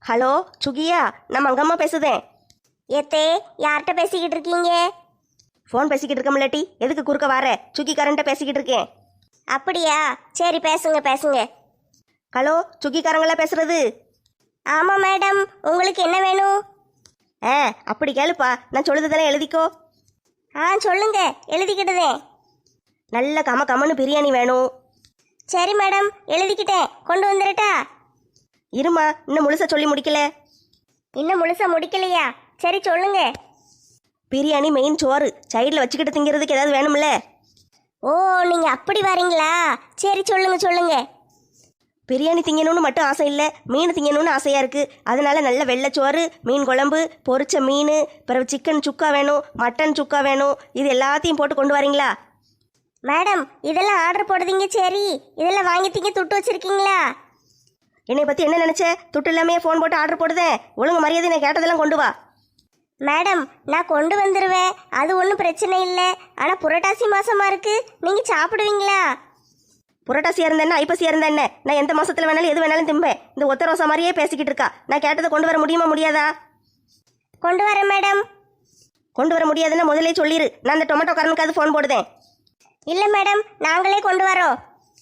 Hello சுகியா, நான் மங்கம்மா பேசுதேன். ஏத்தே, யார்கிட்ட பேசிக்கிட்டு இருக்கீங்க? ஃபோன் பேசிக்கிட்டு இருக்கமில்லாட்டி எதுக்கு குறுக்க வர? சுகி கரண்ட்ட பேசிக்கிட்டு இருக்கேன். அப்படியா, சரி பேசுங்க பேசுங்க. ஹலோ சுகிக்காரங்களா பேசுறது? ஆமாம் மேடம், உங்களுக்கு என்ன வேணும்? ஆ அப்படி கேளுப்பா, நான் சொல்லுறதெல்லாம் எழுதிக்கோ. சொல்லுங்க, எழுதிக்கிட்டதே. நல்ல கமன்னு பிரியாணி வேணும். சரி மேடம், எழுதிக்கிட்டேன், கொண்டு வந்துடட்டா? இருமா, இன்னும் முழுசா சொல்லி முடிக்கல. இன்னும் முழுசா முடிக்கலையா? சரி சொல்லுங்க. பிரியாணி மெயின் சோறு, சைடில் வச்சுக்கிட்டு திங்கிறதுக்கு ஏதாவது வேணும்ல? ஓ, நீங்க அப்படி வரீங்களா? சரி சொல்லுங்க சொல்லுங்க. பிரியாணி திங்கணும்னு மட்டும் ஆசை இல்லை, மீன் திங்கணும்னு ஆசையாக இருக்குது. அதனால நல்ல வெள்ளைச்சோறு, மீன் குழம்பு, பொரிச்ச மீன், பிறகு சிக்கன் சுக்கா வேணும், மட்டன் சுக்கா வேணும். இது எல்லாத்தையும் போட்டு கொண்டு வரீங்களா? மேடம், இதெல்லாம் ஆர்டர் போடுதீங்க, சரி. இதெல்லாம் வாங்கிட்டீங்க, துட்டு வச்சிருக்கீங்களா? என்னை பற்றி என்ன நினச்ச? துட்டு இல்லாமே ஃபோன் போட்டு ஆர்டர் போடுதேன். ஒழுங்கு மரியாதை நான் கேட்டதெல்லாம் கொண்டு வா. மேடம், நான் கொண்டு வந்துடுவேன், அது ஒன்றும் பிரச்சனை இல்லை. ஆனால் புரட்டாசி மாசமா இருக்கு, நீங்கள் சாப்பிடுவீங்களா? புரட்டாசியாக இருந்த என்ன, ஐப்பசியாக இருந்த என்ன, நான் எந்த மாசத்துல வேணாலும் எது வேணாலும் திம்பேன். இந்த ஒத்த ரோசா மாதிரியே பேசிக்கிட்டு இருக்கா. நான் கேட்டதை கொண்டு வர முடியுமா முடியாதா? கொண்டு வரேன் மேடம். கொண்டு வர முடியாதுன்னா முதலே சொல்லிடு, நான் அந்த டொமேட்டோ காரனுக்காவது ஃபோன் போடுதேன். இல்லை மேடம், நாங்களே கொண்டு வரோம்.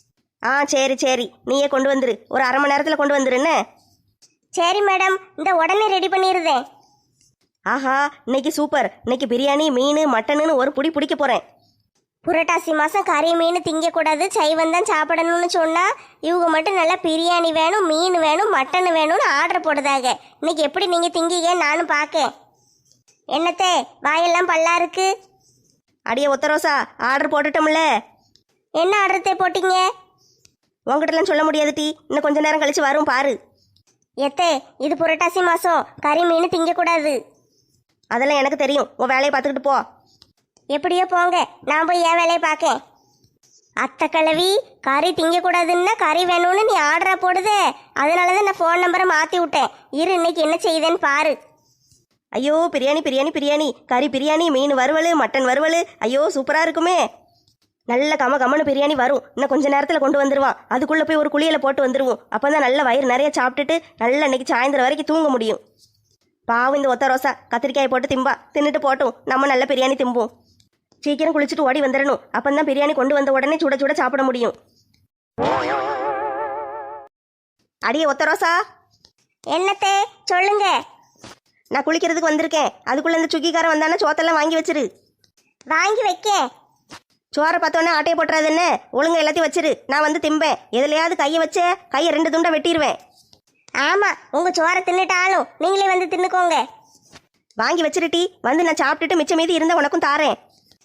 சரி சரி, நீயே கொண்டு வந்துரு. ஒரு அரை மணி நேரத்தில் கொண்டு வந்துருன்னு. சரி மேடம், இந்த உடனே ரெடி பண்ணிடுதேன். ஆஹா, இன்னைக்கு சூப்பர். இன்னைக்கு பிரியாணி, மீன், மட்டனுன்னு ஒரு புடி பிடிக்க போகிறேன். புரட்டாசி மாதம் கறி மீன் திங்கக்கூடாது, சைவம் தான் சாப்பிடணும்னு சொன்னால் இவங்க மட்டும் நல்லா பிரியாணி வேணும், மீன் வேணும், மட்டன் வேணும்னு ஆர்டர் போடுதாங்க. இன்னைக்கு எப்படி நீங்கள் திங்கிங்க நானும் பார்க்கேன். என்னத்தே, வாயெல்லாம் பல்லா இருக்கு? அடியே ஒத்த ரோசா, ஆர்டர் போட்டுட்டோம்ல. என்ன ஆர்டர்த்தே போட்டீங்க? உங்ககிட்டலாம் சொல்ல முடியாது டீ, இன்னும் கொஞ்ச நேரம் கழிச்சு வரும் பாரு. எத்தே, இது புரட்டாசி மாதம் கறி மீன் திங்கக்கூடாது. அதெல்லாம் எனக்கு தெரியும், உன் வேலையை பார்த்துக்கிட்டு போ. எப்படியோ போங்க, நான் போய் என் வேலையை பார்க்கேன். அத்தை கிழவி, கறி திங்கக்கூடாதுன்னா கறி வேணும்னு நீ ஆர்டரா போடுதே, அதனால தான் நான் ஃபோன் நம்பரை மாற்றி விட்டேன். இரு, இன்னைக்கு என்ன செய்யுதுன்னு பாரு. ஐயோ, பிரியாணி பிரியாணி பிரியாணி, கறி பிரியாணி, மீன் வறுவல், மட்டன் வறுவல். ஐயோ சூப்பராக இருக்குமே. நல்ல கமன்னு பிரியாணி வரும். இன்னும் கொஞ்ச நேரத்தில் கொண்டு வந்துடுவான். அதுக்குள்ளே போய் ஒரு குளியலை போட்டு வந்துடுவோம். அப்போ தான் நல்ல வயிறு நிறைய சாப்பிட்டுட்டு நல்ல இன்னைக்கு சாயந்தரம் வரைக்கும் தூங்க முடியும். பாவம் இந்த ஒத்த ரோசா, கத்திரிக்காயை போட்டு திம்பா. தின்னுட்டு போட்டும், நம்ம நல்ல பிரியாணி திம்போம். சீக்கிரம் குளிச்சுட்டு ஓடி வந்துடணும். அப்போ தான் பிரியாணி கொண்டு வந்த உடனே சுட சுட சாப்பிட முடியும். அடியே ஒத்த ரோசா. என்னத்தே, சொல்லுங்க. நான் குளிக்கிறதுக்கு வந்திருக்கேன். அதுக்குள்ளே இந்த சுக்கிக்காரன் வந்தானே சோத்தெல்லாம் வாங்கி வச்சிரு. வாங்கி வைக்க. சோறை பார்த்தோன்னே ஆட்டையை போட்டுறது என்ன? ஒழுங்கா எல்லாத்தையும் வச்சிரு, நான் வந்து திம்பேன். எதுலையாவது கையை வச்சே கையை 2 துண்டை வெட்டிடுவேன். ஆமாம், உங்கள் சோறை தின்னுட்டாலும் நீங்களே வந்து தின்னுக்கோங்க. வாங்கி வச்சிருட்டி, வந்து நான் சாப்பிட்டுட்டு மிச்சம் மீதி இருந்தால் உனக்கும் தாரேன்.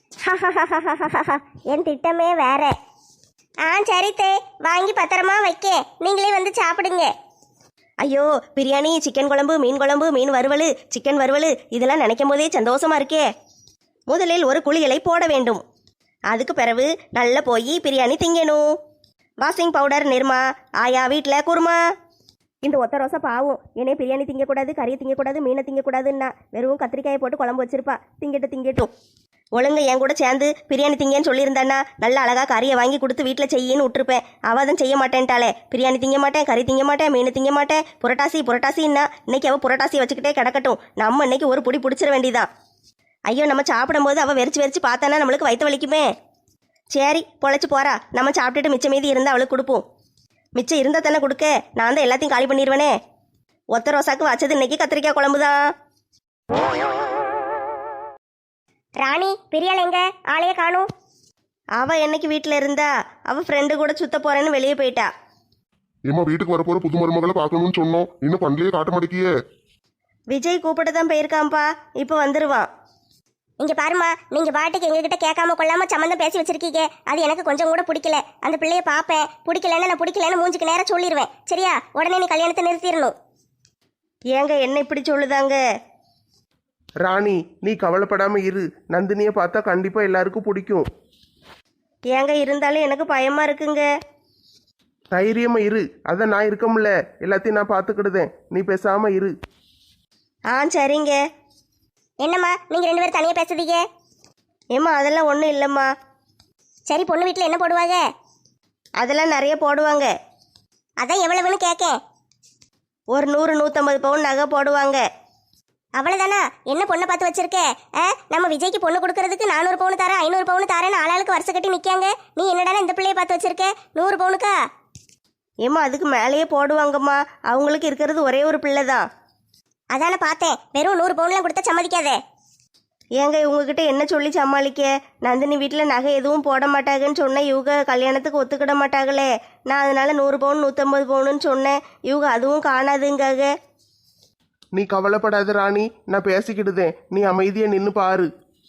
என் திட்டமே வேற. சரித்தே, வாங்கி பத்திரமா வைக்க, நீங்களே வந்து சாப்பிடுங்க. ஐயோ, பிரியாணி, சிக்கன் குழம்பு, மீன் குழம்பு, மீன் வறுவல், சிக்கன் வறுவல், இதெல்லாம் நினைக்கும் போதே சந்தோஷமா இருக்கே. முதலில் ஒரு குளியலை போட வேண்டும். அதுக்கு பிறகு நல்லா போய் பிரியாணி திங்கணும். வாஷிங் பவுடர் நிர்மா, ஆயா வீட்டில் குருமா. இந்த ஒத்த ரோசை பாவம், என்னே பிரியாணி திங்கக்கூடாது, கறியை திங்கக்கூடாது, மீனை திங்கக்கூடாதுன்னா வெறும் கத்திரிக்காயை போட்டு குழம்பு வச்சிருப்பா. திங்கட்டும். ஒழுங்கு என் கூட சேர்ந்து பிரியாணி திங்கன்னு சொல்லியிருந்தானா நல்லா அழகா கறியை வாங்கி கொடுத்து வீட்டில் செய்யின்னு விட்டுருப்பேன். அவள் தான் செய்ய மாட்டேன்ட்டாளே. பிரியாணி திங்க மாட்டேன், கறி திங்க மாட்டேன், மீன் திங்க மாட்டேன், புரட்டாசின்னா இன்னைக்கு அவள் புரட்டாசி வச்சுக்கிட்டே கிடக்கட்டும். நம்ம இன்னைக்கு ஒரு புடி பிடிச்சிட வேண்டியதான். ஐயோ, நம்ம சாப்பிடும்போது அவள் வெறிச்சு பார்த்தானா நம்மளுக்கு வயிற்று வலிக்குமே. சரி, பொழைச்சி போறா. நம்ம சாப்பிட்டுட்டு மிச்சம் மீதி இருந்தால் அவளுக்கு கொடுப்போம். மிச்சம் இருந்தால் தானே கொடுக்க, நான் தான் எல்லாத்தையும் காலி பண்ணிடுவேனே. ஒத்த ரோசாக்கு வச்சது இன்னைக்கு கத்திரிக்காய் குழம்பு தான். ராணி, பிரியாள் எங்க? ஆளையே காணும். அவள் என்னைக்கு வீட்டில் இருந்தா? அவள் ஃப்ரெண்டு கூட சுத்த போறேன்னு வெளியே போயிட்டா. ஏமா, வீட்டுக்கு வரப்போற புது மருமகளை பார்க்கணும்னு சொன்னோம், இன்னும் பண்ணலையே, காட்ட மாட்டேங்கியே. விஜய் கூப்பிட்டு தான் போயிருக்கான்ப்பா, இப்போ வந்துடுவான். இங்க பாருமா, நீங்க பாட்டுக்கு எங்ககிட்ட கேட்காம கொள்ளாம சம்மந்தம் பேசி வச்சிருக்கீங்க. அது எனக்கு கொஞ்சம் கூட பிடிக்கல. அந்த பிள்ளைய பார்ப்பேன், பிடிக்கலன்னு நான் பிடிக்கலன்னு மூஞ்சுக்கு நேரம் சொல்லிடுவேன். சரியா? உடனே நீ கல்யாணத்தை நிறுத்திடணும். ஏங்க என்ன இப்படி சொல்லுதாங்க? ராணி, நீ கவலைப்படாம இரு. நந்தினியை பார்த்தா கண்டிப்பா எல்லாருக்கும் பிடிக்கும். ஏங்க இருந்தாலும் எனக்கு பயமா இருக்குங்க. தைரியமா இரு, அதான் நான் இருக்கமுல்ல, எல்லாத்தையும் நான் பார்த்துக்கிடுதேன். நீ பேசாம இரு. சரிங்க. என்னம்மா, நீங்க 2 பேரும் தனியா பேசுறீங்க? ஏம்மா, அதெல்லாம் ஒன்றும் இல்லைம்மா. சரி, பொண்ணு வீட்டில் என்ன போடுவாங்க? அதெல்லாம் நிறைய போடுவாங்க. அதான் எவ்வளவுன்னு கேட்கேன். ஒரு 100-150 பவுன் நகை போடுவாங்க. அவ்வளவுதானா? என்ன பொண்ணை பார்த்து வச்சிருக்க? நம்ம விஜய்க்கு பொண்ணு கொடுக்கறதுக்கு 400 பவுன் தரேன் 500 பவுன் தரேன்னு ஆளாளுக்கு வருஷம் கட்டி நிக்காங்க. நீ என்னடானா இந்த பிள்ளைய பார்த்து வச்சிருக்க 100 பவுனுக்கா? ஏம்மா அதுக்கு மேலேயே போடுவாங்கம்மா. அவங்களுக்கு இருக்கிறது ஒரே ஒரு பிள்ளை தான். அதான பார்த்தேன். வெறும் 100 பவுன்லாம் கொடுத்தா சம்மதிக்காதே. ஏங்க இவங்ககிட்ட என்ன சொல்லி சமாளிக்க? நந்தினி வீட்டில் நகை எதுவும் போட மாட்டாங்கன்னு சொன்னேன். இவங்க கல்யாணத்துக்கு ஒத்துக்கிட மாட்டாங்களே. நான் அதனால 100 பவுன் 150 பவுனுன்னு சொன்னேன். இவங்க அதுவும் காணாதுங்காக. நீ கவலைப்படாத ராணி, நான் பேசிக்கிடுதேன். நீ அமைதியா நின்று பாரு.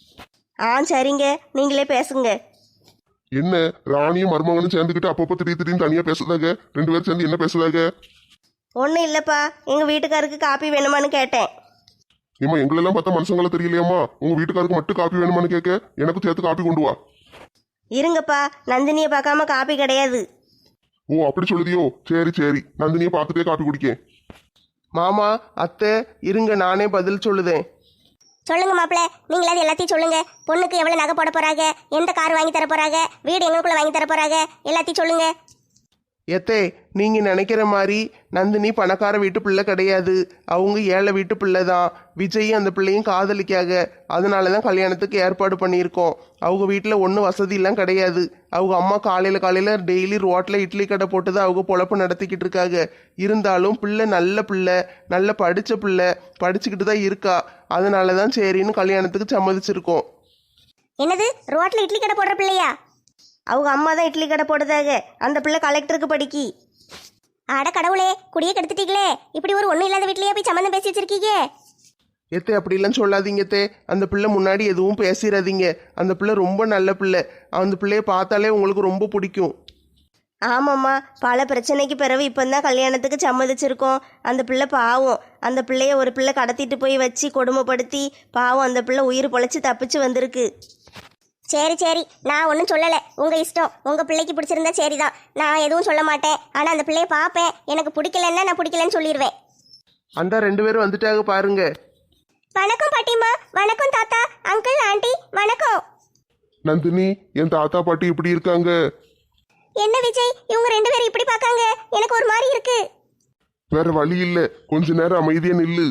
சரிங்க, நீங்களே பேசுங்க. என்ன ராணியும் மருமகனும் சேர்ந்துக்கிட்டு அப்பப்போ திடீர்னு தனியா பேசுதாங்க? 2 பேரும் சேர்ந்து என்ன பேசுதாங்க? ஒன்றும் இல்லைப்பா, எங்கள் வீட்டுக்காருக்கு காப்பி வேணுமான்னு கேட்டேன். ஏமா எங்களெல்லாம் பார்த்தா மனுஷங்கள தெரியலையாம்மா? உங்க வீட்டுக்காருக்கு மட்டும் காப்பி வேணுமான்னு கேட்க, எனக்கு சேர்த்து காப்பி கொண்டு வா. இருங்கப்பா, நந்தினியை பார்க்காம காப்பி கிடையாது. ஓ அப்படி சொல்லுதியோ? சரி சரி, நந்தினியை பார்த்துட்டே காப்பி குடிக்கேன். மாமா, அத்தை, இருங்க நானே பதில் சொல்லுதேன். சொல்லுங்க மாப்பிள்ள, நீங்களாவது எல்லாத்தையும் சொல்லுங்க. பொண்ணுக்கு எவ்வளவு நகை போட போறாங்க, எந்த கார் வாங்கி தர போறாங்க, வீடு எங்களுக்குள்ள வாங்கி தர போறாங்க, எல்லாத்தையும் சொல்லுங்க. எத்தே, நீங்க நினைக்கிற மாதிரி நந்தினி பணக்கார வீட்டு பிள்ளை கிடையாது. அவங்க ஏழை வீட்டு பிள்ளை தான். விஜயும் அந்த பிள்ளையும் காதலிக்காக, அதனால தான் கல்யாணத்துக்கு ஏற்பாடு பண்ணியிருக்கோம். அவங்க வீட்டில் ஒன்றும் வசதியெல்லாம் கிடையாது. அவங்க அம்மா காலையில் டெய்லி ரோட்டில் இட்லி கடை போட்டு தான் அவங்க பொழப்பு நடத்திக்கிட்டு இருக்காங்க. இருந்தாலும் பிள்ளை நல்ல பிள்ளை, நல்ல படித்த பிள்ளை, படிச்சுக்கிட்டு தான் இருக்கா. அதனால தான் சரின்னு கல்யாணத்துக்கு சம்மதிச்சிருக்கோம். என்னது, ரோட்ல இட்லி கடை போடுற பிள்ளையா? அவங்க அம்மா தான் இட்லி கடை போடுதாங்க. அந்த பிள்ளை கலெக்டருக்கு படிக்கி. அட கடவுளே, குடியே கெடுத்துட்டீங்களே. இப்படி ஒரு ஒன்றும் இல்லாத வீட்லயே போய் சம்மந்தம் பேசி வச்சிருக்கீங்க. எத்தே அப்படிலாம் சொல்லாதீங்க தே. அந்த பிள்ளை முன்னாடி எதுவும் பேசிடாதீங்க. அந்த பிள்ளை ரொம்ப நல்ல பிள்ளை. அந்த பிள்ளைய பார்த்தாலே உங்களுக்கு ரொம்ப பிடிக்கும். ஆமாம்மா, பல பிரச்சனைக்கு பிறகு இப்போ தான் கல்யாணத்துக்கு சம்மதிச்சிருக்கோம். அந்த பிள்ளை பாவம். அந்த பிள்ளைய ஒரு பிள்ளை கடத்திட்டு போய் வச்சு கொடுமைப்படுத்தி பாவம் அந்த பிள்ளை உயிர் பொழைச்சி தப்பிச்சு வந்திருக்கு. சரி சரி, நான் ஒன்றும் சொல்லலை. உங்கள் இஷ்டம். உங்கள் பிள்ளைக்கு பிடிச்சிருந்தா சரிதான், நான் எதுவும் சொல்ல மாட்டேன். ஆனால் அந்த பிள்ளைய பார்ப்பேன். எனக்கு பிடிக்கலன்னா நான் பிடிக்கலன்னு சொல்லிடுவேன். அந்த 2 பேரும் வந்துட்டாங்க பாருங்க. வணக்கம் பாட்டிம்மா. வணக்கம் தாத்தா, அங்கிள், ஆண்டி, வணக்கம். நந்தினி, என் தாத்தா பாட்டி இப்படி இருக்காங்க. என்ன விஜய், இவங்க 2 பேரும் இப்படி பார்க்காங்க? எனக்கு ஒரு மாதிரி இருக்கு. வேற வழி இல்ல, கொஞ்ச நேரம் அமைதியா நில்லு.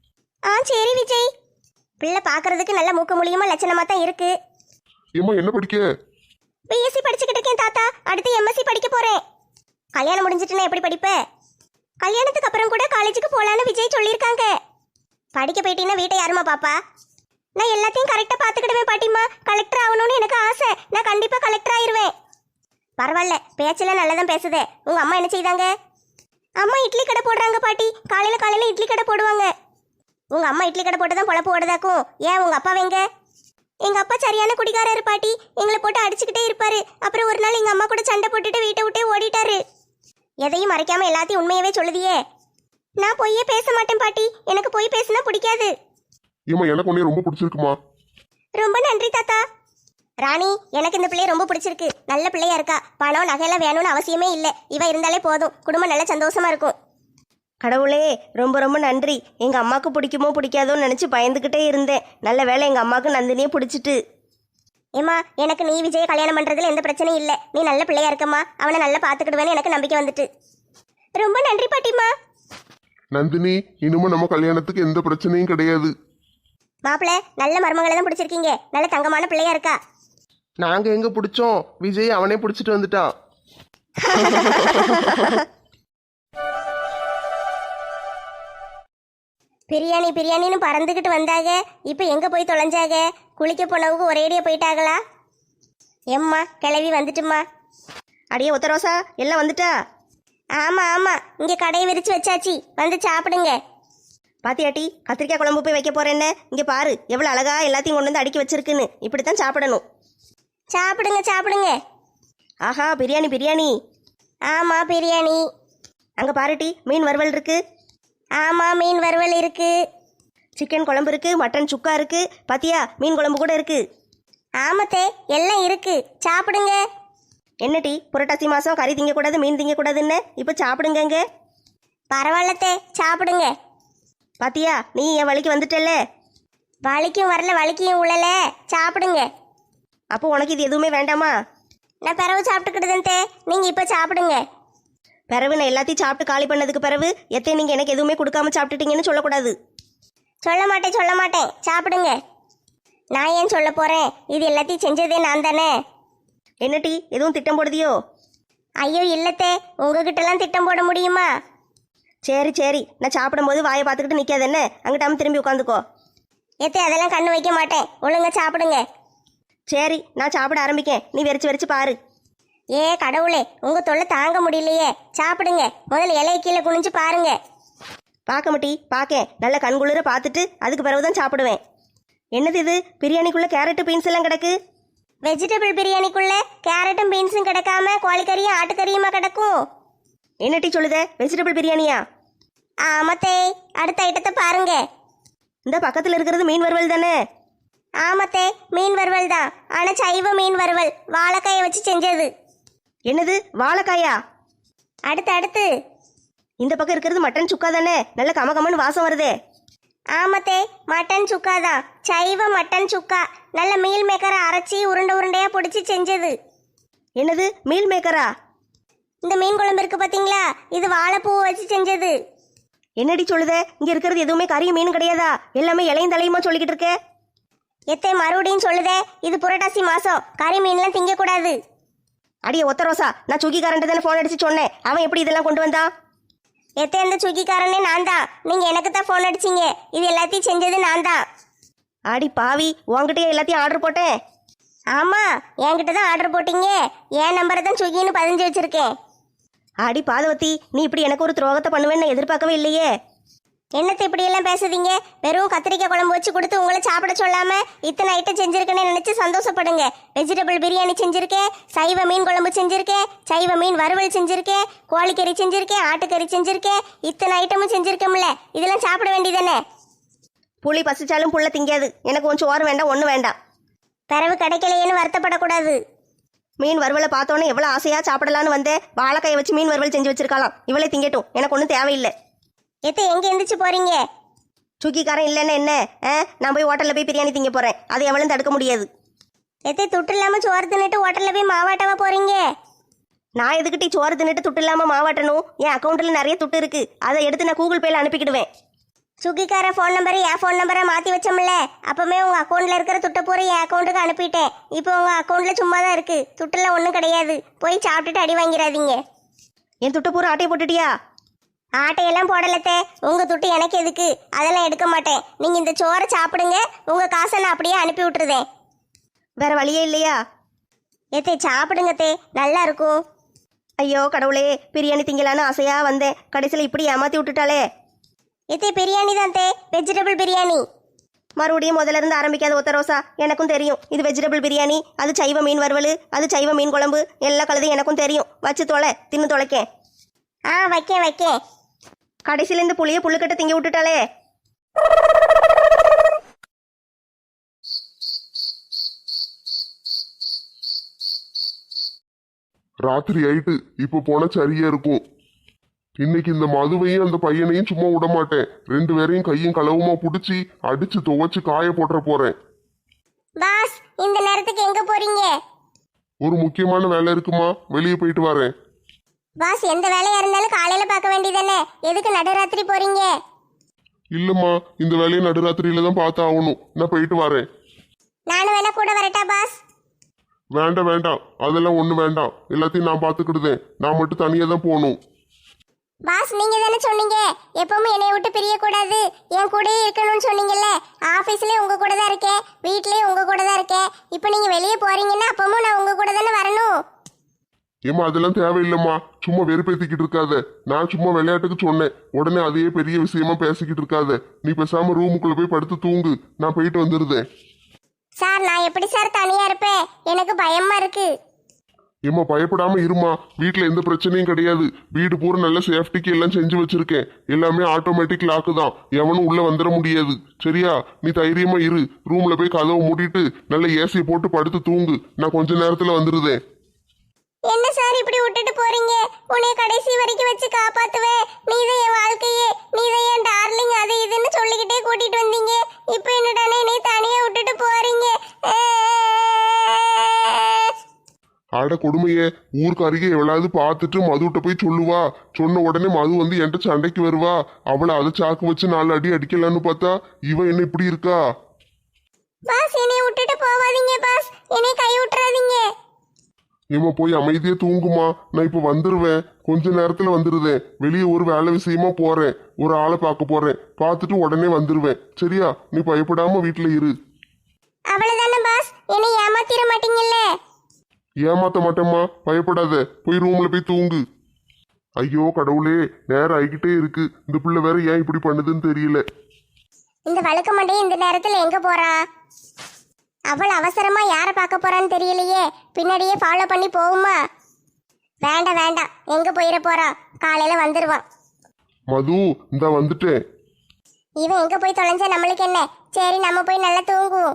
சரி விஜய். பிள்ளை பார்க்கறதுக்கு நல்ல மூக்க மூலியமா லட்சணமா தான் இருக்கு. ஏம்மா என்ன படிக்க? பிஎஸ்சி படிச்சுக்கிட்டு இருக்கேன் தாத்தா. அடுத்து எம்எஸ்சி படிக்க போறேன். கல்யாணம் முடிஞ்சிட்டுனா எப்படி படிப்ப? கல்யாணத்துக்கு அப்புறம் கூட காலேஜுக்கு போலான்னு விஜய் சொல்லியிருக்காங்க. படிக்க போயிட்டீங்கன்னா வீட்டை யாருமா பாப்பா? நான் எல்லாத்தையும் கரெக்டா பாத்துக்கிடுவேன் பாட்டிமா. கலெக்டர் ஆகணும்னு எனக்கு ஆசை. நான் கண்டிப்பா கலெக்டர் ஆயிருவேன். பரவாயில்ல, பேச்செல்லாம் நல்லதான் பேசுதே. உங்க அம்மா என்ன செய்தாங்க? அம்மா இட்லி கடை போடுறாங்க பாட்டி. காலையில இட்லி கடை போடுவாங்க. உங்க அம்மா இட்லி கடை போட்டு தான் பொழப்பு ஓடுதாக்கும். ஏன் உங்க அப்பா எங்க? எங்க அப்பா சரியான குடிகாரர் பாட்டி. எங்களை போட்டு அடிச்சுக்கிட்டே இருப்பாரு. அப்புறம் ஒரு நாள் எங்க அம்மா கூட சண்டை போட்டுட்டு வீட்டை விட்டே ஓடிட்டாரு. எதையும் மறைக்காம எல்லாத்தையும் உண்மையவே சொல்லுதியே. நான் பொய்யே பேச மாட்டேன் பாட்டி. எனக்கு பொய் பேசினா பிடிக்காது. ஏம்மா எனக்கு உன்னை ரொம்ப பிடிச்சிருக்குமா. ரொம்ப நன்றி தாத்தா. ராணி, எனக்கு இந்த பிள்ளைய ரொம்ப பிடிச்சிருக்கு. நல்ல பிள்ளையா இருக்கா. பணம் நகையெல்லாம் வேணும்னு அவசியமே இல்லை. இவ இருந்தாலே போதும். குடும்பம் நல்ல சந்தோஷமா இருக்கும். கடவுளே, ரொம்ப ரொம்ப நன்றி. எங்கள் அம்மாவுக்கு பிடிக்குமோ பிடிக்காதோன்னு நினச்சி பயந்துக்கிட்டே இருந்தேன். நல்ல வேளை எங்கள் அம்மாவுக்கு நந்தினியே பிடிச்சிட்டு. ஏம்மா, எனக்கு நீ விஜய கல்யாணம் பண்றதுல எந்த பிரச்சனையும் இல்லை. நீ நல்ல பிள்ளையா இருக்கம்மா. அவனை நல்லா பார்த்துக்கிடுவேன்னு எனக்கு நம்பிக்கை வந்துட்டு. ரொம்ப நன்றி பாட்டிம்மா. நந்தினி, இனிமே நம்ம கல்யாணத்துக்கு எந்த பிரச்சனையும் கிடையாது. மாப்பிள்ள, நல்ல மருமகளை தான் பிடிச்சிருக்கீங்க. நல்ல தங்கமான பிள்ளையா இருக்கா. நாங்க எங்க பிடிச்சோம்? விஜய் அவனே பிடிச்சிட்டு வந்துட்டான். பிரியாணி பிரியாணின்னு பறந்துக்கிட்டு வந்தாங்க. இப்போ எங்கே போய் தொலைஞ்சாக? குளிக்க போனவுக்கு ஒரேடியாக போயிட்டாங்களா? எம்மா, கிளவி வந்துட்டுமா. அடியே ஒத்தரோசா, எல்லாம் வந்துட்டா? ஆமாம் ஆமாம், இங்கே கடையை விரித்து வச்சாச்சு. வந்து சாப்பிடுங்க. பாத்தியாட்டி, கத்திரிக்காய் குழம்பு போய் வைக்க போறேன்னு. இங்கே பாரு எவ்வளோ அழகா எல்லாத்தையும் கொண்டு வந்து அடுக்கி வச்சிருக்குன்னு. இப்படித்தான் சாப்பிடணும். சாப்பிடுங்க சாப்பிடுங்க. ஆஹா, பிரியாணி பிரியாணி. ஆமாம் பிரியாணி. அங்கே பாருட்டி, மீன் வறுவல் இருக்கு. ஆமாம், மீன் வறுவல் இருக்கு. சிக்கன் குழம்பு இருக்கு, மட்டன் சுக்கா இருக்கு. பாத்தியா, மீன் குழம்பு கூட இருக்கு. ஆமத்தே, எல்லாம் இருக்கு. சாப்பிடுங்க. என்னட்டி, புரட்டாசி மாதம் கறி திங்கக்கூடாது மீன் திங்கக்கூடாதுன்னு இப்போ சாப்பிடுங்க. பரவாயில்லத்தே, சாப்பிடுங்க. பாத்தியா, நீ என் வழிக்கு வந்துட்டல்ல. வலிக்கும் வரல, வலிக்கும் உள்ளல. சாப்பிடுங்க. அப்போ உனக்கு இது எதுவுமே வேண்டாமா? நான் பிறகு சாப்பிட்டுக்கிட்டுதே. நீங்கள் இப்போ சாப்பிடுங்க. பிறகு நான் எல்லாத்தையும் சாப்பிட்டு காலி பண்ணதுக்கு பிறகு எத்தே நீங்கள் எனக்கு எதுவுமே கொடுக்காம சாப்பிட்டுட்டீங்கன்னு சொல்லக்கூடாது. சொல்ல மாட்டேன், சாப்பிடுங்க. நான் ஏன் சொல்ல போறேன், இது எல்லாத்தையும் செஞ்சதே நான் தானே. என்ன டீ எதுவும் திட்டம் போடுதியோ? ஐயோ இல்லத்தே, உங்ககிட்டலாம் திட்டம் போட முடியுமா? சரி சரி, நான் சாப்பிடும்போது வாயை பார்த்துக்கிட்டு நிற்காது என்ன, அங்கிட்டாம திரும்பி உட்காந்துக்கோ. எத்தே அதெல்லாம் கண்ணு வைக்க மாட்டேன், ஒழுங்கா சாப்பிடுங்க. சரி நான் சாப்பிட ஆரம்பிக்கேன், நீ வெறிச்சு பாரு. ஏ கடவுளே, உங்க தொல்லை தாங்க முடியலையே. சாப்பிடுங்க, முதல்ல இலைய கீழே குனிஞ்சு பாருங்க. பார்க்க மாட்டி பார்க்கேன், நல்ல கண்குளிர பார்த்துட்டு அதுக்கு பிறகு தான் சாப்பிடுவேன். என்னது இது, பிரியாணிக்குள்ளே கேரட்டு பீன்ஸ் எல்லாம் கிடக்கு? வெஜிடபிள் பிரியாணிக்குள்ள கேரட்டும் பீன்ஸும் கிடக்காம கோழிக்கறியும் ஆட்டுக்கறியுமா கிடக்கும்? என்ன டீ சொல்லுதே, வெஜிடபிள் பிரியாணியா? ஆமத்தே, அடுத்த ஐட்டத்தை பாருங்க. இந்த பக்கத்தில் இருக்கிறது மீன் வறுவல் தானே? ஆமத்தே, மீன் வறுவல் தான். ஆனா சைவ மீன் வறுவல், வாழைக்காயை வச்சு செஞ்சது. என்னது வாழைக்காயா? அடுத்து இந்த பக்கம் இருக்கிறது மட்டன் சுக்கா தானே, நல்ல கமகமன்னு வாசம் வருதே. ஆமத்தே, மட்டன் சுக்கா தான், சைவ மட்டன் சுக்கா. நல்ல மீல் மேக்கரை அரைச்சி உருண்டையா பிடிச்சி செஞ்சது. என்னது மீல் மேக்கரா? இந்த மீன் குழம்பு இருக்கு பாத்தீங்களா, இது வாழைப்பூவை வச்சு செஞ்சது. என்னடி சொல்லுதே, இங்க இருக்கிறது எதுவுமே கறியும் மீன் கிடையாதா? எல்லாமே இலையும் தலையுமா சொல்லிக்கிட்டு இருக்கே. எத்தே மறுபடியும் சொல்லுதே, இது புரட்டாசி மாசம், கறி மீன்லாம் திங்க கூடாது. அடியே ஒத்த ரோசா, நான் சுகிக்காரன்ட்டு தானே ஃபோன் அடிச்சு சொன்னேன், அவன் எப்படி இதெல்லாம் கொண்டு வந்தான்? எத்தே இந்த சுக்கிக்காரனே நான் தான், நீங்க எனக்கு தான் ஃபோன் அடிச்சீங்க. இது எல்லாத்தையும் செஞ்சது நான் தான். ஆடி பாவி, உன்கிட்டயே எல்லாத்தையும் ஆர்டர் போட்டேன். ஆமா, என்கிட்ட தான் ஆர்டர் போட்டீங்க. என் நம்பரை தான் சுகின்னு பதிஞ்சு வச்சிருக்கேன். ஆடி பாதவத்தி, நீ இப்படி எனக்கு ஒரு துரோகத்தை பண்ணுவேன்னு எதிர்பார்க்கவே இல்லையே. என்னத்தை இப்படியெல்லாம் பேசுதீங்க? வெறும் கத்திரிக்காய் குழம்பு வச்சு கொடுத்து உங்களை சாப்பிட சொல்லாம இத்தனை ஐட்டம் செஞ்சிருக்கேன்னு நினைச்சு சந்தோஷப்படுங்க. வெஜிடபிள் பிரியாணி செஞ்சிருக்கேன், சைவ மீன் குழம்பு செஞ்சிருக்கேன், சைவ மீன் வறுவல் செஞ்சிருக்கேன், கோழிக்கறி செஞ்சிருக்கேன், ஆட்டுக்கறி செஞ்சிருக்கேன், இத்தனை ஐட்டமும் செஞ்சிருக்கோம்ல, இதெல்லாம் சாப்பிட வேண்டியதானே. புளி பசிச்சாலும் புள்ள திங்காது, எனக்கு கொஞ்சம் ஓரம் வேண்டாம், ஒன்றும் வேண்டாம். பிறவு கிடைக்கலையேன்னு வருத்தப்படக்கூடாது. மீன் வறுவலை பார்த்தோன்னே எவ்வளோ ஆசையாக சாப்பிடலான்னு வந்தேன். வாழைக்காயை வச்சு மீன் வறுவல் செஞ்சு வச்சிருக்கலாம், இவளே திங்கட்டும், எனக்கு ஒன்றும் தேவையில்லை. எத்த எங்க எந்திரிச்சு போறீங்க? சுக்கிக்காரன் இல்லைன்னா என்ன? நான் போய் ஹோட்டலில் போய் பிரியாணி திங்க போகிறேன், அதை எவ்வளோ தடுக்க முடியாது. எத்த துட்டு இல்லாம சோறு தின்னுட்டு ஹோட்டல்ல போய் மாவாட்டவா போறீங்க? நான் எதுக்கிட்டி சோறு தின்னுட்டு துட்டு இல்லாமல் மாவாட்டணும்? என் அக்கௌண்ட்டில் நிறைய துட்டு இருக்கு, அதை எடுத்து நான் கூகுள் பேல அனுப்பிக்கிடுவேன். சுகிக்கார ஃபோன் நம்பரை என் ஃபோன் நம்பரை மாற்றி வச்சோம்ல, அப்போவே உங்கள் அக்கௌண்ட்டில் இருக்கிற துட்டை பூரா என் அக்கௌண்ட்டுக்கு அனுப்பிட்டேன். இப்போ உங்கள் அக்கௌண்ட்டில் சும்மா தான் இருக்குது, துட்டெல்லாம் ஒன்றும் கிடையாது. போய் சாப்பிட்டுட்டு அடி வாங்கிடாதீங்க. என் துட்டை பூரா ஆட்டையை போட்டுட்டியா? ஆட்டையெல்லாம் போடலத்தே, உங்கள் துட்டு எனக்கு எதுக்கு, அதெல்லாம் எடுக்க மாட்டேன். நீங்கள் இந்த சோறை சாப்பிடுங்க, உங்கள் காசை நான் அப்படியே அனுப்பி விட்டுருதேன். வேற வழியே இல்லையா? எத்தே சாப்பிடுங்கத்தே, நல்லா இருக்கும். ஐயோ கடவுளே, பிரியாணி திங்கலான்னு ஆசையாக வந்தேன், கடைசியில் இப்படி ஏமாற்றி விட்டுட்டாலே. எத்தே பிரியாணி தான் தே, வெஜிடபிள் பிரியாணி. மறுபடியும் முதல்ல இருந்து ஆரம்பிக்காத ஒத்த ரோசா, எனக்கும் தெரியும் இது வெஜிடபிள் பிரியாணி, அது சைவ மீன் வறுவல், அது சைவ மீன் குழம்பு, எல்லா கலதையும் எனக்கும் தெரியும். வச்சு தொலை, தின்னு தொலைக்கேன். வைக்கேன். கடைசியில இந்த புளியை புல்லுக்கட்டை திங்க விட்டுட்டாலே. ராத்திரி ஆயிட்டு, இப்ப போனா சரியா இருக்கும். இன்னைக்கு இந்த மதுவையும் அந்த பையனையும் சும்மா விட மாட்டேன். 2 பேரையும் கையும் களவுமா புடிச்சு அடிச்சு துவைச்சு காய போட்டுற போறேன். பாஸ், இந்த நேரத்துக்கு எங்க போறீங்க? ஒரு முக்கியமான வேலை இருக்குமா, வெளியே போயிட்டு வரேன். பாஸ், எந்த வேலையா இருந்தாலும் காலையில பார்க்க வேண்டியதானே, எதுக்கு நடுராத்திரி போறீங்க? இல்லம்மா, இந்த வேலையை நடுராத்திரியில தான் பார்த்து ஆகணும். நான் போயிட்டு வரேன். நானும் வேணா கூட வரட்டா பாஸ்? வேண்டாம், அதெல்லாம் ஒண்ணு வேண்டாம். எல்லாத்தையும் நான் பார்த்துக்கிடுதேன். நான் மட்டும் தனியா தான் போகணும். பாஸ், நீங்க தானே சொன்னீங்க எப்பவுமே என்னைய விட்டு பிரிய கூடாது, என் கூடயே இருக்கணும்னு சொன்னீங்கல்ல. ஆபீஸ்லயே உங்க கூட தான் இருக்கேன், வீட்லயே உங்க கூட தான் இருக்கேன். இப்போ நீங்க வெளியே போறீங்கன்னா அப்பவும் நான் உங்க கூட தானே வரணும். ஏமா அதெல்லாம் தேவையில்லைம்மா, சும்மா வெறுப்பேத்திக்கிட்டு இருக்காத. நான் சும்மா விளையாட்டுக்கு சொன்னேன், உடனே அதையே பெரிய விஷயமா பேசிக்கிட்டு இருக்காத. நீ பேசாம ரூமுக்குள்ள போய் படுத்து தூங்கு, நான் போயிட்டு வந்துருதேன். சார், நான் எப்படி சார் தனியா இருப்பேன்? எனக்கு பயமா இருக்கு. ஏமா பயப்படாம இருமா, வீட்டுல எந்த பிரச்சனையும் கிடையாது. வீடு பூரா நல்ல சேஃப்டிக்கு எல்லாம் செஞ்சு வச்சிருக்கேன். எல்லாமே ஆட்டோமேட்டிக் லாக்கு தான், எவனும் உள்ள வந்துட முடியாது. சரியா? நீ தைரியமா இரு. ரூம்ல போய் கதவை மூடிட்டு நல்ல ஏசியை போட்டு படுத்து தூங்கு, நான் கொஞ்ச நேரத்துல வந்துருதேன். என்ன சார் இப்படி விட்டுட்டு போறீங்க? உன்னை கடைசி வரைக்கும் வச்சு காப்பாத்துவேன், நீதான் என் வாழ்க்கையே, நீதான் என் டார்லிங், அது இதுன்னு சொல்லிக்கிட்டே கூட்டிட்டு வந்தீங்க. இப்போ என்னடானே என்னை தனியா விட்டுட்டு போறீங்க? அட கொடுமையே, ஊருக்கு அருகே எவ்வளவு பார்த்துட்டு மதுகிட்ட போய் சொல்லுவா. சொன்ன உடனே மது வந்து என்கிட்ட சண்டைக்கு வருவா. அவளை அதை சாக்கு வச்சு 4 அடி அடிக்கலான்னு பார்த்தா இவ என்ன இப்படி இருக்கா? பாஸ் என்னை விட்டுட்டு போவாதீங்க பாஸ், என்னை கை விட்டுறாதீங்க. ஏமா போய் அமைதியே தூங்குமா, நான் இப்ப வந்துருவேன், கொஞ்ச நேரத்துல வந்துருதேன். வெளியே ஒரு வேலை விஷயமா போறேன், ஒரு ஆளை பார்க்க போறேன், பார்த்துட்டு உடனே வந்துருவேன். சரியா? நீ பயப்படாம வீட்டுல இரு. அவ்வளவுதானே பாஸ், என்னை ஏமாத்திர மாட்டீங்கல்ல? ஏமாத்த மாட்டேம்மா, பயப்படாத. போய் ரூம்ல போய் தூங்கு. ஐயோ கடவுளே, நேரம் ஆகிக்கிட்டே இருக்கு. இந்த பிள்ளை வேற ஏன் இப்படி பண்ணுதுன்னு தெரியல. இந்த வழுக்க மண்டையை இந்த நேரத்துல எங்க போறா? அவள் அவசரமா யாரை பார்க்க போறான்னு தெரியலையே, பின்னாடியே ஃபாலோ பண்ணி போகுமா? வேண்டாம் வேண்டாம், எங்க போயிட போறா? காலையில வந்துருவான். மது, இந்த வந்துட்டேன். இவன் எங்க போய் தொலைஞ்சா நம்மளுக்கு என்ன? சரி நம்ம போய் நல்லா தூங்குவோம்.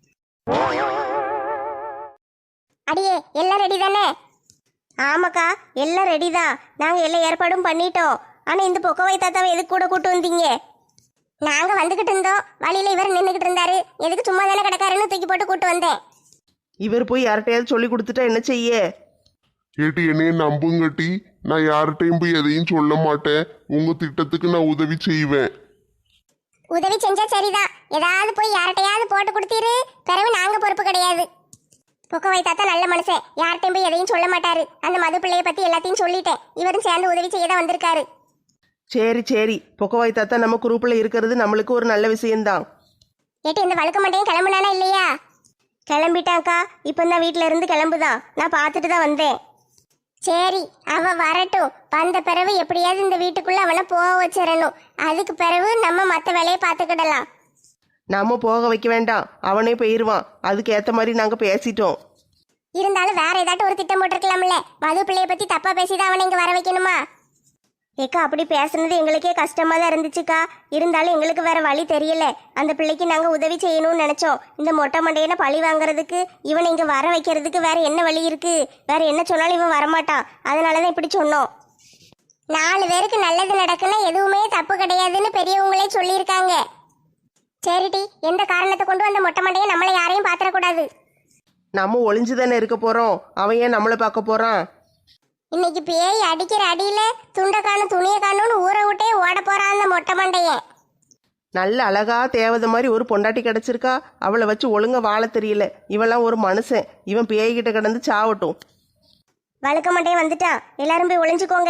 அடியே எல்லாம் ரெடி தானே? ஆமாக்கா, எல்லாம் ரெடி தான். நாங்கள் எல்லா ஏற்பாடும் பண்ணிட்டோம். ஆனால் இந்த பொக்கவாய் தாத்தாவை எதுக்கு கூட கூட்டு வந்தீங்க? நாங்க வந்துகிட்டு இருந்தோம், வழியில இவர் நின்றுகிட்டு இருந்தாரு. எதுக்கு சும்மா தானே கிடக்காருன்னு தூக்கி போட்டு கூட்டு வந்தேன். இவர் போய் யார்கிட்டயாவது சொல்லி கொடுத்துட்டா என்ன செய்ய? கேட்டு என்னைய நம்புங்கட்டி, நான் யார்கிட்டையும் போய் எதையும் சொல்ல மாட்டேன். உங்க திட்டத்துக்கு நான் உதவி செய்வேன். உதவி செஞ்சா சரிதான், ஏதாவது போய் யார்கிட்டயாவது போட்டு கொடுத்தீரு, பிறகு நாங்க பொறுப்பு கிடையாது. பொக்கவாய் தாத்தா நல்ல மனுஷன், யார்கிட்டையும் போய் எதையும் சொல்ல மாட்டாரு. அந்த மது பிள்ளைய பத்தி எல்லாத்தையும் சொல்லிட்டேன், இவரும் சேர்ந்து உதவி செய்ய தான் வந்திருக்காரு. சரி சரி, பொக்கவாய் தாத்தா நம்ம குரூப்பில் இருக்கிறது நம்மளுக்கு ஒரு நல்ல விஷயம்தான். ஏட்டி இந்த வழுக்க மண்டையும் கிளம்புனானா இல்லையா? கிளம்பிட்டாங்க்கா, இப்போ தான் வீட்டில் இருந்து கிளம்புதான். நான் பார்த்துட்டு தான் வந்தேன். சரி அவ வரட்டும், வந்த பிறகு எப்படியாவது இந்த வீட்டுக்குள்ள அவனை போக வச்சிடணும். அதுக்கு பிறகு நம்ம மற்ற வேலையை பார்த்துக்கிடலாம். நம்ம போக வைக்க வேண்டாம், அவனே போயிடுவான். அதுக்கு ஏற்ற மாதிரி நாங்கள் பேசிட்டோம். இருந்தாலும் வேற ஏதாட்டும் ஒரு திட்டம் போட்டிருக்கலாம்ல. மது பிள்ளைய பத்தி தப்பா பேசிதான் அவனை இங்க வர வைக்கணுமா? ஏக்கா, அப்படி பேசுனது எங்களுக்கே கஷ்டமாக தான் இருந்துச்சுக்கா. இருந்தாலும் எங்களுக்கு வேற வழி தெரியல. அந்த பிள்ளைக்கு நாங்கள் உதவி செய்யணும்னு நினச்சோம். இந்த மொட்டை மண்டையனை பழி வாங்குறதுக்கு, இவனை இங்கே வர வைக்கிறதுக்கு வேற என்ன வழி இருக்கு? வேற என்ன சொன்னாலும் இவன் வரமாட்டான். அதனால தான் இப்படி சொன்னோம். 4 பேருக்கு நல்லது நடக்குன்னா எதுவுமே தப்பு கிடையாதுன்னு பெரியவங்களே சொல்லியிருக்காங்க. சரிடி, எந்த காரணத்தை கொண்டு அந்த மொட்டை மண்டையை நம்மளை யாரையும் பாத்திரக்கூடாது. நம்ம ஒளிஞ்சு தானே இருக்க போகிறோம், அவன் ஏன் நம்மளை பார்க்க போகிறான்? இன்னைக்கு பேய் அடிக்கிற அடியில துண்டை காணும் துணியை காணும்னு ஊரை விட்டே ஓட போறான் அந்த மொட்டை மண்டையன். நல்ல அழகா தேவதை மாதிரி ஒரு பொண்டாட்டி கிடச்சிருக்கா, அவளை வச்சு ஒழுங்கா வாழ தெரியல. இவெல்லாம் ஒரு மனுஷன், இவன் பேய்கிட்ட கிடந்து சாவட்டும். வழுக்க மண்டையன் வந்துட்டான், எல்லாரும் போய் ஒளிஞ்சுக்கோங்க.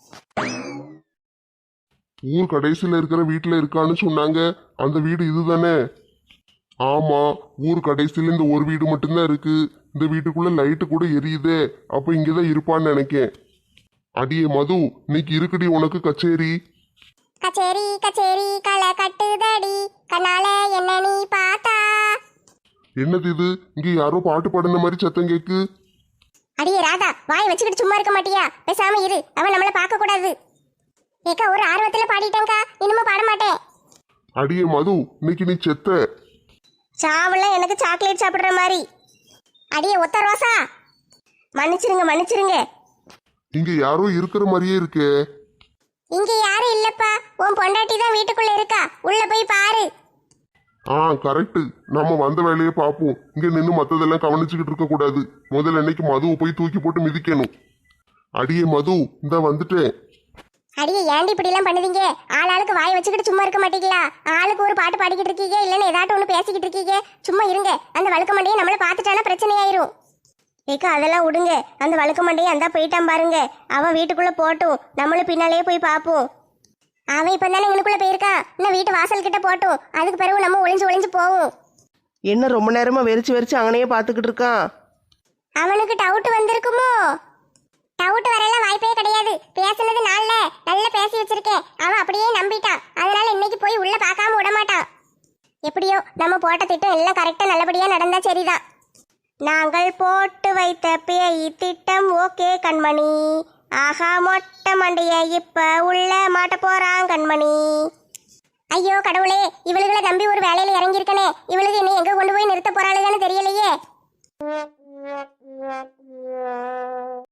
ஊர் கடைசியில இருக்கிற வீட்டுல இருக்கான்னு சொன்னாங்க. அந்த வீடு இதுதானே? ஆமா, ஊர் கடைசியில இந்த ஒரு வீடு மட்டும்தான் இருக்கு. இந்த வீட்டுக்குள்ள லைட்டு கூட எரியுதே. அப்ப இங்கதான் இருப்பான்னு நினைக்கேன். அடியே மது, இன்னைக்கு இருக்குடி உனக்கு கச்சேரி. கச்சேரி கச்சேரி களை கட்டுதடி, கண்ணால என்ன நீ பார்த்தா. என்னது இது? இங்க யாரோ பாட்டு பாடின மாதிரி சத்தம் கேக்கு. அடியே ராதா, வாய் வச்சுக்கிட்டு சும்மா இருக்க மாட்டியா? பேசாம இரு, அவன் நம்மள பார்க்க கூடாது. ஏக்கா ஒரு ஆர்வத்துல பாடிட்டேன்க்கா, இனிமே பாட மாட்டேன். அடியே மது, இன்னைக்கு நீ செத்த. சாவெல்லாம் எனக்கு சாக்லேட் சாப்பிட்ற மாதிரி. அடியே ஒத்த ரோசா, மன்னிச்சிருங்க மன்னிச்சிருங்க. இங்க யாரோ இருக்கிற மாதிரியே இருக்கே. இங்க யாரும் இல்லப்பா, உன் பொண்டாட்டி தான் வீட்டுக்குள்ள இருக்கா, உள்ள போய் பாரு. கரெக்ட். நம்ம வந்த வேலையை பார்ப்போம். இங்க நின்று மத்ததெல்லாம் கவனிச்சுக்கிட்டு இருக்க கூடாது. முதல்ல இன்னைக்கு மதுவை போய் தூக்கி போட்டு மிதிக்கணும். அடியே மது, இந்த வந்துட்டேன். அடியே ஏன்டி இப்படி எல்லாம் பண்ணுவீங்க? ஆளாளுக்கு வாய் வச்சுக்கிட்டு சும்மா இருக்க மாட்டீங்களா? ஆளுக்கு ஒரு பாட்டு பாடிக்கிட்டு இருக்கீங்க, இல்லைன்னு ஏதாட்டும் ஒன்று பேசிக்கிட்டு இருக்கீங்க. சும்மா இருங்க, அந்த வழுக்க மண்டையை நம்மள பார்த்துட்டானா பிரச்சனையாயிரும். ஏக்கா, அதெல்லாம் விடுங்க. அந்த வழுக்க மண்டையை அந்த போயிட்டான் பாருங்க. அவன் வீட்டுக்குள்ள போட்டும், நம்மளும் பின்னாலேயே போய் பார்ப்போம். அவன் இப்ப தானே எங்களுக்குள்ள போயிருக்கான், இன்னும் வீட்டு வாசல் கிட்ட போட்டும். அதுக்கு பிறகு நம்ம ஒளிஞ்சு ஒளிஞ்சு போவோம். என்ன ரொம்ப நேரமா வெறிச்சு வெறிச்சு அங்கனையே பார்த்துக்கிட்டு இருக்கான்? அவனுக்கு டவுட் வந்திருக்குமோ? டவுட் வரலாம் வாய்ப்பே கிடையாது. பேசுனது நாள்ல நல்லா பேசி வச்சிருக்கேன், அவன் அப்படியே நம்பிட்டான். அதனால இன்னைக்கு போய் உள்ள பார்க்காம விட மாட்டான். எப்படியோ நம்ம போட்ட திட்டம் எல்லாம் கரெக்டா நல்லபடியா நடந்தா சரிதான். நாங்கள் போட்டு வைத்த பேய் திட்டம் ஓகே கண்மணி. ஆஹா, மொட்டை மண்டைய இப்ப உள்ள மாட்ட போறான் கண்மணி. ஐயோ கடவுளே, இவளுகளை நம்பி ஒரு வேலையில இறங்கியிருக்கனே. இவளுக்கு என்ன எங்க கொண்டு போய் நிறுத்த போறாளுன்னு தெரியலையே.